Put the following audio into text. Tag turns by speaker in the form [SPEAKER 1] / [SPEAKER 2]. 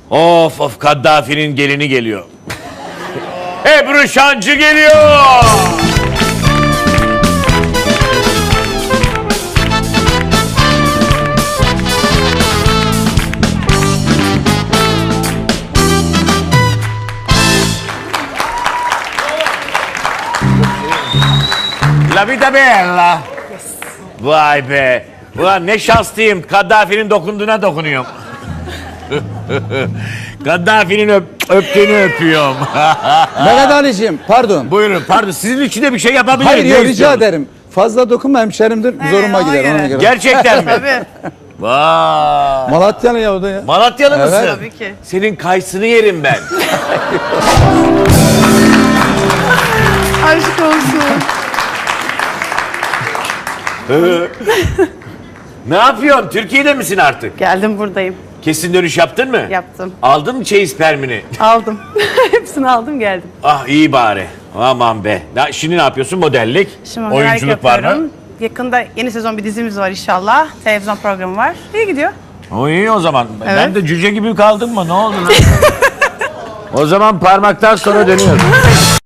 [SPEAKER 1] Of of, Kaddafi'nin gelini geliyor. Ebru Şancı geliyor. La vita bella. Vay be. Ulan ne şanslıyım. Kaddafi'nin dokunduğuna dokunuyorum. Kaddafi'nin öptüğünü öpüyorum.
[SPEAKER 2] Mehmet Ali'ciğim pardon.
[SPEAKER 1] Buyurun, pardon. Sizin için de bir şey yapabilirim.
[SPEAKER 2] Hayır
[SPEAKER 1] Ne
[SPEAKER 2] yok, rica
[SPEAKER 1] istiyorsunuz?
[SPEAKER 2] ederim. Fazla dokunma, hemşerimdir. Zoruma
[SPEAKER 3] ona
[SPEAKER 2] gider
[SPEAKER 3] göre.
[SPEAKER 2] ona göre.
[SPEAKER 1] Gerçekten mi?
[SPEAKER 3] Tabii.
[SPEAKER 1] Vay.
[SPEAKER 2] Malatyalı ya o da ya.
[SPEAKER 1] Malatyalı
[SPEAKER 2] Evet.
[SPEAKER 1] mısın?
[SPEAKER 3] Tabii ki.
[SPEAKER 1] Senin kayısını yerim ben.
[SPEAKER 3] Aşk olsun.
[SPEAKER 1] Ne yapıyorsun? Türkiye'de misin artık?
[SPEAKER 3] Geldim, buradayım.
[SPEAKER 1] Kesin dönüş yaptın mı?
[SPEAKER 3] Yaptım.
[SPEAKER 1] Aldın mı çeyiz permini?
[SPEAKER 3] Aldım. Hepsini aldım, geldim.
[SPEAKER 1] Ah iyi bari. Aman be. Şimdi ne yapıyorsun? Modellik,
[SPEAKER 3] Şimdi merak
[SPEAKER 1] oyunculuk var mı?
[SPEAKER 3] yapıyorum. Yakında yeni sezon bir dizimiz var inşallah. Televizyon programı var. İyi gidiyor.
[SPEAKER 1] O iyi o zaman. Ben
[SPEAKER 3] Evet.
[SPEAKER 1] de cüce gibi kaldım mı? Ne oldu lan? O zaman parmaktan sonra dönüyoruz.